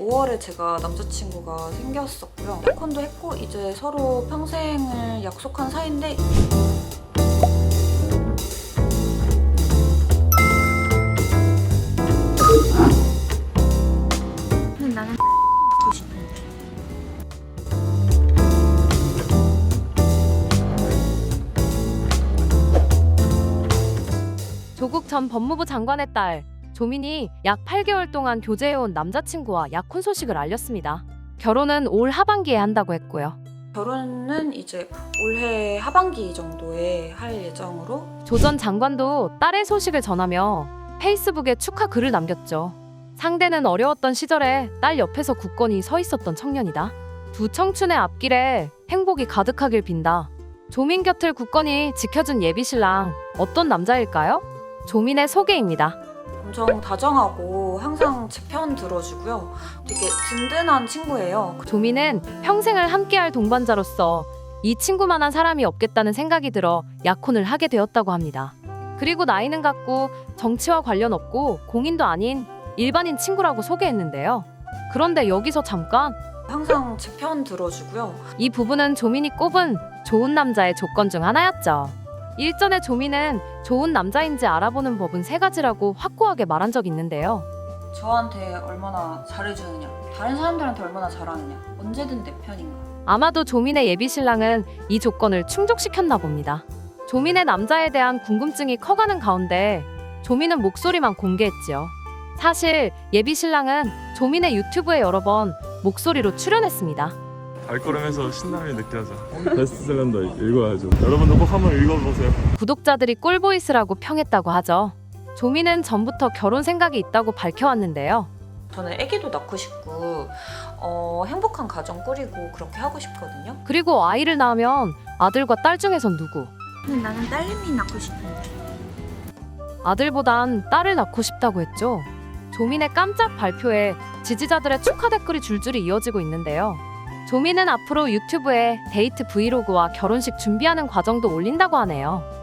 5월에 제가 남자친구가 생겼었고요. 약혼도 했고 이제 서로 평생을 약속한 사이인데 나는 갖고 싶은데. 조국 전 법무부 장관의 딸 조민이 약 8개월 동안 교제해온 남자친구와 약혼 소식을 알렸습니다. 결혼은 올 하반기에 한다고 했고요. 결혼은 이제 올해 하반기 정도에 할 예정으로. 조 전 장관도 딸의 소식을 전하며 페이스북에 축하 글을 남겼죠. 상대는 어려웠던 시절에 딸 옆에서 굳건히 서 있었던 청년이다. 두 청춘의 앞길에 행복이 가득하길 빈다. 조민 곁을 굳건히 지켜준 예비신랑 어떤 남자일까요? 조민의 소개입니다. 엄청 다정하고 항상 제 편 들어주고요. 되게 든든한 친구예요. 조민은 평생을 함께할 동반자로서 이 친구만한 사람이 없겠다는 생각이 들어 약혼을 하게 되었다고 합니다. 그리고 나이는 같고 정치와 관련 없고 공인도 아닌 일반인 친구라고 소개했는데요. 그런데 여기서 잠깐, 항상 제 편 들어주고요. 이 부분은 조민이 꼽은 좋은 남자의 조건 중 하나였죠. 일전에 조민은 좋은 남자인지 알아보는 법은 3가지라고 확고하게 말한 적이 있는데요. 저한테 얼마나 잘해주느냐, 다른 사람들한테 얼마나 잘하느냐, 언제든 내 편인가. 아마도 조민의 예비신랑은 이 조건을 충족시켰나 봅니다. 조민의 남자에 대한 궁금증이 커가는 가운데 조민은 목소리만 공개했지요. 사실 예비신랑은 조민의 유튜브에 여러 번 목소리로 출연했습니다. 발걸음에서 신남이 느껴져. 베스트셀러인데 읽어야죠. 여러분도 꼭 한번 읽어보세요. 구독자들이 꿀보이스라고 평했다고 하죠. 조민은 전부터 결혼 생각이 있다고 밝혀왔는데요. 저는 아기도 낳고 싶고 행복한 가정 꾸리고 그렇게 하고 싶거든요. 그리고 아이를 낳으면 아들과 딸 중에선 누구? 나는 딸내미 낳고 싶은데. 아들보단 딸을 낳고 싶다고 했죠. 조민의 깜짝 발표에 지지자들의 축하 댓글이 줄줄이 이어지고 있는데요. 조민은 앞으로 유튜브에 데이트 브이로그와 결혼식 준비하는 과정도 올린다고 하네요.